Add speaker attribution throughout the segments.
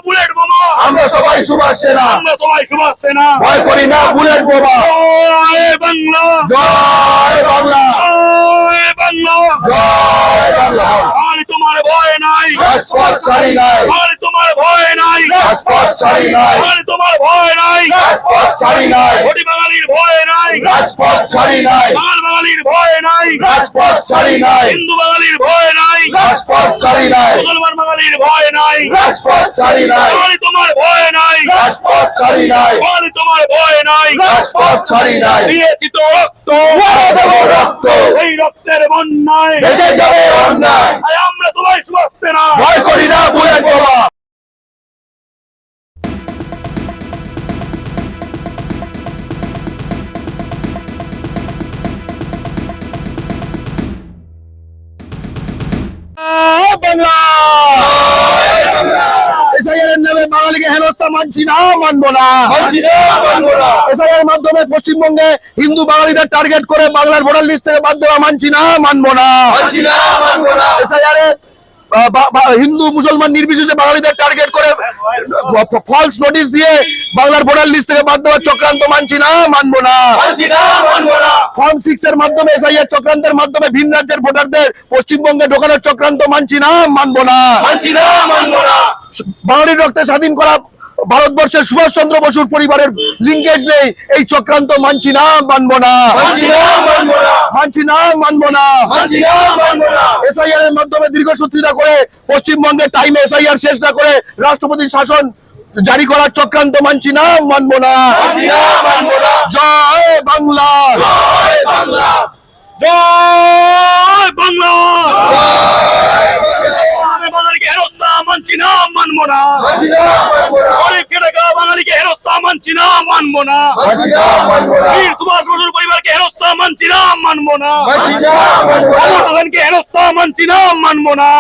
Speaker 1: Bullet বোমা
Speaker 2: আমরা সবাই সুভাষ সেনা
Speaker 1: আমরা সবাই সুভাষ সেনা
Speaker 2: ভয় করি না বুলেট বোমা
Speaker 1: জয় বাংলা
Speaker 2: জয় বাংলা
Speaker 1: জয় বাংলা
Speaker 2: জয় বাংলা
Speaker 1: আর তোমার ভয় নাই
Speaker 2: রাজপথ ছাড়ি নাই
Speaker 1: আর তোমার ভয় নাই
Speaker 2: রাজপথ ছাড়ি নাই
Speaker 1: আর তোমার ভয় নাই
Speaker 2: রাজপথ ছাড়ি নাই
Speaker 1: ঘটি বাঙালির ভয় নাই
Speaker 2: রাজপথ ছাড়ি নাই
Speaker 1: বাঙালির ভয় নাই
Speaker 2: রাজপথ ছাড়ি নাই
Speaker 1: হিন্দু বাঙালির ভয় নাই
Speaker 2: রাজপথ ছাড়ি নাই
Speaker 1: মুসলমান বাঙালির ভয় নাই
Speaker 2: রাজপথ ছাড়ি নাই
Speaker 1: বাঙালি তোমার ভয় নাই
Speaker 2: রাজপথ ছাড়ি নাই
Speaker 1: বাঙালি তোমার ভয় নাই
Speaker 2: রাজপথ ছাড়ি নাই
Speaker 1: দিয়েছি তো রক্ত
Speaker 2: দেব রক্ত
Speaker 1: এই রক্তের বন্যায়
Speaker 2: দেশে যাবে অন্যায়
Speaker 1: আর আমরা সবাই সুভাষ সেনা
Speaker 2: ভয় করি না বুলেট বোমা বাংলা এসআইআর নামে বাঙালিকে হেনস্থা মানছি না মানবো না এসআইআর মাধ্যমে পশ্চিমবঙ্গে হিন্দু বাঙালিদের টার্গেট করে বাংলার ভোটার লিস্ট থেকে বাদ দেওয়া মানছি না মানবো না এসআইআর হিন্দু মুসলমান নির্বিশেষে বাঙালিদের টার্গেট করে ফলস নোটিশ দিয়ে বাংলার ভোটার লিস্ট থেকে বাদ দেওয়ার চক্রান্ত মানছি না মানবো না ফর্ম 6 এর মাধ্যমে এসআইআর চক্রান্তের মাধ্যমে ভিন রাজ্যের ভোটারদের পশ্চিমবঙ্গে ঢোকানোর চক্রান্ত মানছি না মানবো না বাঙালির রক্তে স্বাধীন করা ভারতবর্ষের সুভাষ চন্দ্র বসুর পরিবারের লিঙ্কেজ নেই এই চক্রান্ত মানছি না মানবো না মানছি না মানবো না এসআইআর এর মাধ্যমে দীর্ঘসূত্রিতা করে পশ্চিমবঙ্গে টাইমে এসআইআর শেষ না করে রাষ্ট্রপতির শাসন জারি করার চক্রান্ত মানছি না মানবো না জয় বাংলা
Speaker 1: জয় বাংলা বাঙালিকে হেনস্থা মানছি না মানবো না গরিব খেটে খাওয়া বাঙালিকে হেনস্থা মানছি না মানবো না বীর সুভাষ বসুর পরিবারকে হেনস্থা মানছি না মানবো না বাঙালিকে হেনস্থা মানছি না মানবো না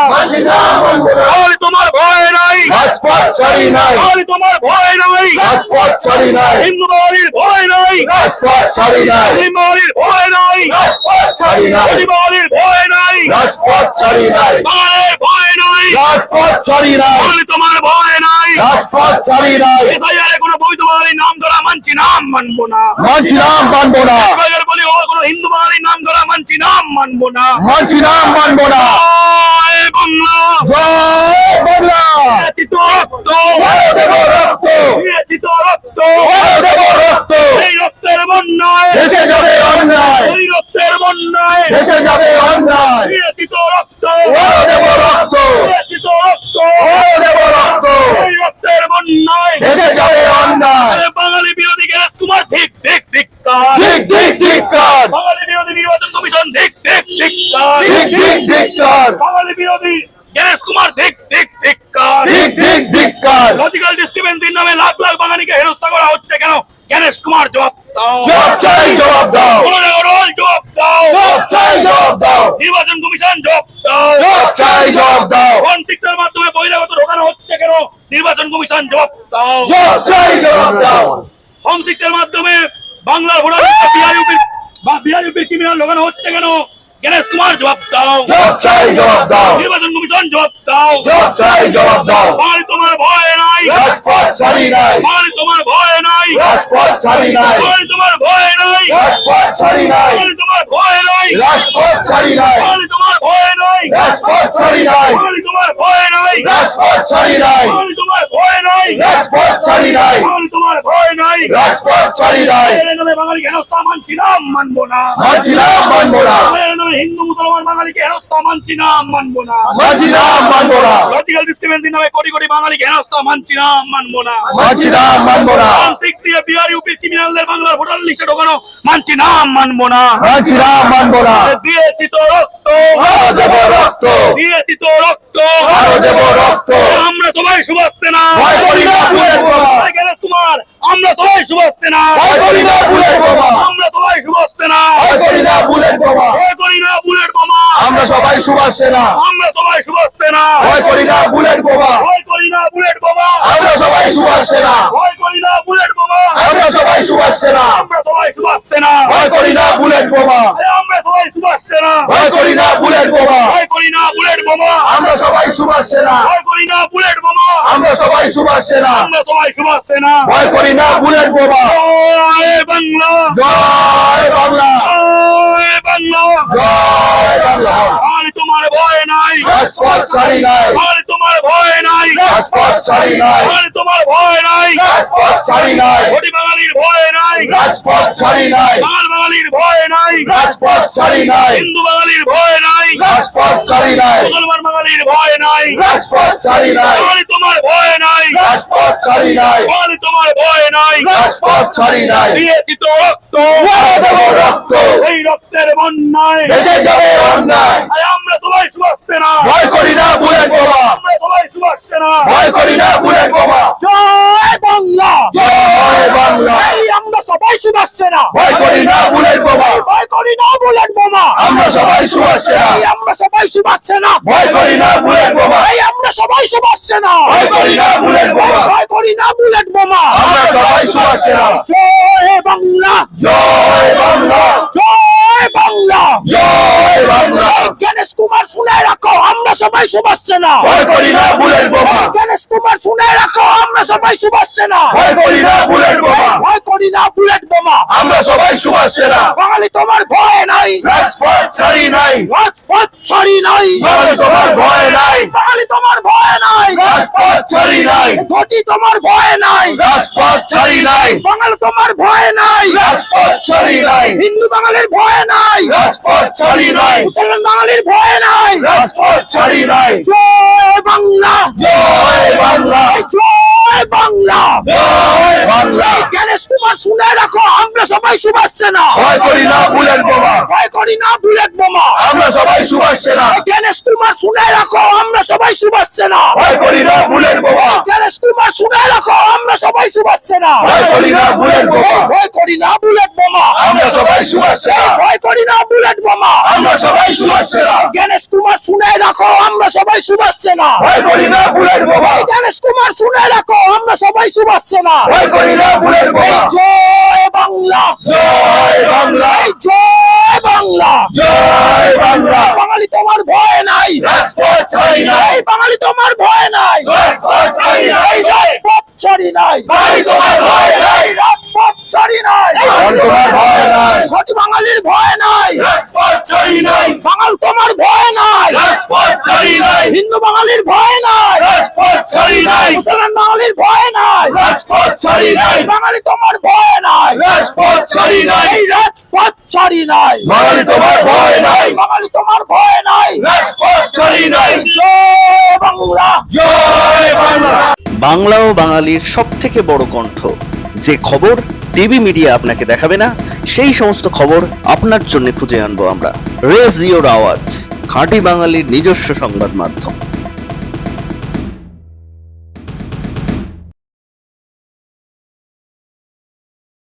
Speaker 1: বাঙালি তোমার ভয় নাই
Speaker 2: রাজপথ ছাড়ি নাই
Speaker 1: বাঙালি তোমার ভয় নাই
Speaker 2: রাজপথ ছাড়ি নাই
Speaker 1: হিন্দু বাঙালির ভয় নাই
Speaker 2: রাজপথ ছাড়ি নাই
Speaker 1: মুসলিম বাঙালির ভয় নাই
Speaker 2: রাজপথ ছাড়ি নাই
Speaker 1: গরিব বাঙালির ভয় নাই
Speaker 2: রাজপথ ছাড়ি নাই
Speaker 1: বাঙালির ভয় নাই
Speaker 2: রাজপথ ছাড়ি নাই
Speaker 1: বাঙালি তোমার ভয় নাই
Speaker 2: রাজপথ ছাড়ি নাই
Speaker 1: এসআইআর কোনো বৈধ বাঙালির নাম ধরা মানছি না মানবো না
Speaker 2: মানছি না মানবো না
Speaker 1: এসআইআর বলি ও কোনো হিন্দু বাঙালির নাম ধরা মানছি না মানবো না
Speaker 2: মানছি না মানবো না
Speaker 1: জয় বাংলা
Speaker 2: জয় বাংলা
Speaker 1: দিয়েছি তো রক্ত
Speaker 2: দেব রক্ত
Speaker 1: দিয়েছি তো রক্ত
Speaker 2: দেব রক্ত
Speaker 1: এই রক্তের বন্যায়
Speaker 2: দেশে যাবে অন্যায়
Speaker 1: এই রক্তের বন্যায়
Speaker 2: দেশে যাবে অন্যায়
Speaker 1: দিয়েছি তো রক্ত
Speaker 2: দেব রক্ত
Speaker 1: দিয়েছি তো রক্ত
Speaker 2: দেব রক্ত
Speaker 1: এই রক্তের বন্যায়
Speaker 2: দেশে যাবে অন্যায়
Speaker 1: বাঙালি বিরোধী গ্যারেজ কুমার ঠিক ঠিক ধিক্কার
Speaker 2: ঠিক ঠিক ঠিক কার
Speaker 1: বাঙালি বিরোধী নির্বাচন কমিশন ঠিক ঠিক ধিক্কার
Speaker 2: ঠিক ঠিক ঠিক কার
Speaker 1: বাঙালি বিরোধী গ্যারেজ কুমার ঠিক ঠিক ধিক্কার
Speaker 2: ঠিক ঠিক ঠিক কার
Speaker 1: লজিক্যাল ডিস্ট্রিবেন্সির নামে লাখ লাখ বাঙালিকে হেনস্থা করা হচ্ছে কেন গণেশ কুমার জবাব দাও
Speaker 2: জবাব চাই জবাব দাও
Speaker 1: জবাব দাও
Speaker 2: জবাব চাই জবাব দাও
Speaker 1: নির্বাচন কমিশন জবাব দাও
Speaker 2: জবাব চাই জবাব দাও
Speaker 1: ফর্ম 6 এর মাধ্যমে বহিরাগত ঢোকানো হচ্ছে কেন নির্বাচন কমিশন জবাব দাও
Speaker 2: জবাব চাই জবাব দাও
Speaker 1: ফর্ম 6 এর মাধ্যমে বাংলার ভোটার বিহার ইউপি ক্রিমিনাল ঢোকানো হচ্ছে কেন গণেশ কুমার জবাব দাও
Speaker 2: জবাব চাই জবাব দাও
Speaker 1: নির্বাচন কমিশন জবাব দাও
Speaker 2: জবাব চাই জবাব দাও
Speaker 1: বাঙালি তোমার ভয় নাই
Speaker 2: রাজপথ ছাড়ি নাই
Speaker 1: বাঙালি তোমার ভয় নাই
Speaker 2: রাজপথ ছাড়ি নাই
Speaker 1: বাঙালি তোমার ভয় নাই
Speaker 2: রাজপথ ছাড়ি নাই
Speaker 1: বাঙালি তোমার ভয় নাই
Speaker 2: রাজপথ ছাড়ি নাই
Speaker 1: বাঙালি তোমার ভয় নাই
Speaker 2: রাজপথ ছাড়ি নাই
Speaker 1: বাঙালি তোমার ভয় নাই
Speaker 2: রাজপথ ছাড়ি নাই
Speaker 1: বাঙালি তোমার ভয় নাই
Speaker 2: রাজপথ ছাড়ি নাই
Speaker 1: বাঙালি তোমার ভয় নাই
Speaker 2: রাজপথ ছাড়ি নাই
Speaker 1: বাঙালি হেনস্থা মানছি না মানবো না
Speaker 2: মানছি না মানবো না
Speaker 1: হিন্দু মুসলমান বাঙালিকে হেনস্থা মানছি না মানবো না
Speaker 2: মানছি না মানবো না
Speaker 1: লজিক্যাল ডিস্ট্রিবেন্সির নামে কোটি কোটি বাঙালিকে হেনস্থা মানছি না মানবো না
Speaker 2: মানছি না মানবো না
Speaker 1: বিহার ইউপি ক্রিমিনালদের বাংলার ভোটার লিস্টে ঢোকানো মানছি না মানবো না
Speaker 2: মানছি না মানবো না
Speaker 1: দিয়েছি তো রক্ত
Speaker 2: দেব রক্ত
Speaker 1: দিয়েছি তো রক্ত
Speaker 2: দেব রক্ত
Speaker 1: আমরা সবাই সুভাষ সেনা
Speaker 2: ভয় করি না বুলেট বোমা
Speaker 1: তোমার আমরা সবাই সুভাষ সেনা
Speaker 2: ভয় করি না বুলেট বোমা
Speaker 1: আমরা সবাই সুভাষ সেনা
Speaker 2: ভয় করি না বুলেট বোমা
Speaker 1: ভয় করি না বুলেট বোমা
Speaker 2: আমরা সবাই সুভাষ সেনা
Speaker 1: আমরা সবাই সুভাষ সেনা
Speaker 2: ভয় করি না বুলেট বোমা
Speaker 1: ভয় করি না বুলেট বোমা
Speaker 2: আমরা সবাই সুভাষ সেনা
Speaker 1: ভয় করি না বুলেট বোমা
Speaker 2: আমরা সবাই সুভাষ সেনা
Speaker 1: আমরা সবাই সুভাষ সেনা
Speaker 2: ভয় করি না বুলেট বোমা
Speaker 1: আমরা সবাই সুভাষ সেনা
Speaker 2: ভয় করি না বুলেট বোমা
Speaker 1: ভয় করি না বুলেট বোমা
Speaker 2: আমরা সবাই সুভাষ সেনা
Speaker 1: ভয় করি না বুলেট বোমা
Speaker 2: আমরা আমরা সবাই সুভাষ সেনা,
Speaker 1: আমরা সবাই সুভাষ সেনা।
Speaker 2: ভয় করি না বুলেট বোমা।
Speaker 1: জয় বাংলা,
Speaker 2: জয় বাংলা,
Speaker 1: জয় বাংলা।
Speaker 2: জয় বাংলা।
Speaker 1: বাঙালি তোমার ভয় নাই,
Speaker 2: রাজপথ ছাড়ি নাই,
Speaker 1: বাঙালি তোমার ভয় নাই,
Speaker 2: রাজপথ ছাড়ি নাই,
Speaker 1: বাঙালি তোমার ভয় নাই,
Speaker 2: রাজপথ ছাড়ি নাই,
Speaker 1: কোটি বাঙালির ভয় নাই,
Speaker 2: রাজপথ ছাড়ি নাই,
Speaker 1: বাঙালির ভয় নাই,
Speaker 2: রাজপথ ছাড়ি নাই,
Speaker 1: হিন্দু বাঙালির ভয় নাই,
Speaker 2: রাজপথ ছাড়ি নাই,
Speaker 1: মুসলমান বাঙালির ভয় নাই,
Speaker 2: রাজপথ ছাড়ি নাই,
Speaker 1: বাঙালি তোমার ভয় নাই,
Speaker 2: রাজপথ ছাড়ি নাই,
Speaker 1: বাঙালি তোমার ভয় নাই।
Speaker 2: রাজপথ ছাড়ি নাই।
Speaker 1: দিয়েছি তো রক্ত,
Speaker 2: মেরে দেবো রক্ত,
Speaker 1: এই রক্তের বন্যায়
Speaker 2: দেশে যাবে অন্যায়।
Speaker 1: তাই আমরা সবাই সুভাষ সেনা,
Speaker 2: ভয় করি না বুলেট বোমা,
Speaker 1: আমরা সবাই সুভাষ সেনা।
Speaker 2: ভয় করি না বুলেট বোমা।
Speaker 1: জয় বাংলা,
Speaker 2: জয় বাংলা,
Speaker 1: এই আমরা সবাই সুভাষ সেনা,
Speaker 2: ভয় করি না বুলেট বোমা।
Speaker 1: ভয় করি না বুলেট বোমা।
Speaker 2: আমরা সবাই সুভাষ সেনা,
Speaker 1: এই আমরা সবাই সুভাষ সেনা,
Speaker 2: ভয় করি না বুলেট বোমা।
Speaker 1: এই আমরা সবাই সুভাষ সেনা,
Speaker 2: ভয় করি না বুলেট বোমা।
Speaker 1: ভয় করি না বুলেট বোমা।
Speaker 2: আমরা সবাই সুভাষ সেনা।
Speaker 1: জয় বাংলা,
Speaker 2: জয় বাংলা,
Speaker 1: জয় বাংলা,
Speaker 2: জয় বাংলা,
Speaker 1: গণেশ কুমার শুনে রাখো আমরা সবাই সুভাষ সেনা,
Speaker 2: ভয় করি না বুলেট বোমা।
Speaker 1: গণেশ কুমার শুনে রাখো আমরা সবাই সুভাষ সেনা,
Speaker 2: ভয় করি না বুলেট বোমা।
Speaker 1: ভয় করি না বুলেট বোমা।
Speaker 2: আমরা সবাই সুভাষ সেনা,
Speaker 1: বাঙালি তোমার ভয় নাই,
Speaker 2: রাজপথ ছাড়ি নাই,
Speaker 1: রাজপথ ছাড়ি নাই,
Speaker 2: বাঙালি তোমার ভয় নাই,
Speaker 1: বাঙালি তোমার ভয় নাই,
Speaker 2: রাজপথ ছাড়ি নাই,
Speaker 1: ঘটি তোমার ভয় নাই,
Speaker 2: রাজপথ ছাড়ি নাই,
Speaker 1: বাঙালি তোমার ভয় নাই,
Speaker 2: রাজপথ ছাড়ি নাই,
Speaker 1: হিন্দু বাঙালির ভয় নাই,
Speaker 2: রাজপথ ছাড়ি নাই,
Speaker 1: মুসলমান বাঙালির ভয় নাই।
Speaker 2: রাজপথ ছাড়ি নাই।
Speaker 1: জয় বাংলা,
Speaker 2: জয় বাংলা,
Speaker 1: জয় বাংলা,
Speaker 2: জয় বাংলা,
Speaker 1: গণেশ কুমার শুনে রাখো আমরা সবাই সুভাষ সেনা,
Speaker 2: ভয় করি না বুলেট বোমা।
Speaker 1: ভয় করি না বুলেট বোমা।
Speaker 2: আমরা সবাই সুভাষ সেনা,
Speaker 1: গণেশ কুমার শুনে রাখো আমরা সবাই সুভাষ সেনা,
Speaker 2: ভয় করি না বুলেট বোমা।
Speaker 1: গণেশ কুমার শুনে রাখো আমরা সবাই সুভাষ সেনা,
Speaker 2: ভয় করি না বুলেট বোমা।
Speaker 1: ভয় করি না বুলেট বোমা।
Speaker 2: আমরা সবাই সুভাষ সেনা,
Speaker 1: ভয় করি না বুলেট বোমা।
Speaker 2: আমরা সবাই সুভাষ সেনা,
Speaker 1: গণেশ কুমার শুনে রাখো আমরা সবাই সুভাষ সেনা,
Speaker 2: ভয় করি না বুলেট বোমা।
Speaker 1: গণেশ কুমার শুনে রাখো আমরা সবাই সুভাষ সেনা।
Speaker 2: ভয় করি না বুলেট বোমা।
Speaker 1: জয় বাংলা,
Speaker 2: জয় বাংলা,
Speaker 1: জয় বাংলা,
Speaker 2: জয় বাংলা,
Speaker 1: বাঙালি তোমার ভয় নাই,
Speaker 2: রাজপথ ছাড়ি নাই,
Speaker 1: এই বাঙালি তোমার ভয় নাই,
Speaker 2: রাজপথ ছাড়ি নাই,
Speaker 1: এই রাজপথ ছাড়ি নাই,
Speaker 2: বাঙালি তোমার ভয় নাই,
Speaker 1: এই রাজপথ ছাড়ি নাই,
Speaker 2: বাঙালি তোমার ভয় নাই,
Speaker 1: ঘটি বাঙালির ভয় নাই,
Speaker 2: রাজপথ ছাড়ি নাই,
Speaker 1: বাঙাল তোমার ভয় নাই,
Speaker 2: রাজপথ ছাড়ি নাই,
Speaker 1: হিন্দু বাঙালির ভয় নাই,
Speaker 2: রাজপথ ছাড়ি নাই,
Speaker 1: মুসলমান বাঙালির ভয় নাই,
Speaker 2: রাজপথ ছাড়ি নাই,
Speaker 1: বাঙালি তোমার ভয় নাই,
Speaker 2: রাজপথ ছাড়ি নাই,
Speaker 1: এই রাজপথ ছাড়ি নাই,
Speaker 2: বাঙালি তোমার ভয় নাই,
Speaker 1: বাঙালি তোমার ভয় নাই।
Speaker 2: রাজপথ ছাড়ি নাই।
Speaker 1: জয় বাংলা,
Speaker 2: জয় বাংলা।
Speaker 3: বাংলা ও বাঙালির সবথেকে বড় কণ্ঠ, যে খবর টিভি মিডিয়া আপনাকে দেখাবে না, সেই সমস্ত খবর আপনার জন্য খুঁজে আনবো আমরা। রেজ ইওর আওয়াজ, খাঁটি বাঙালির নিজস্ব সংবাদ মাধ্যম।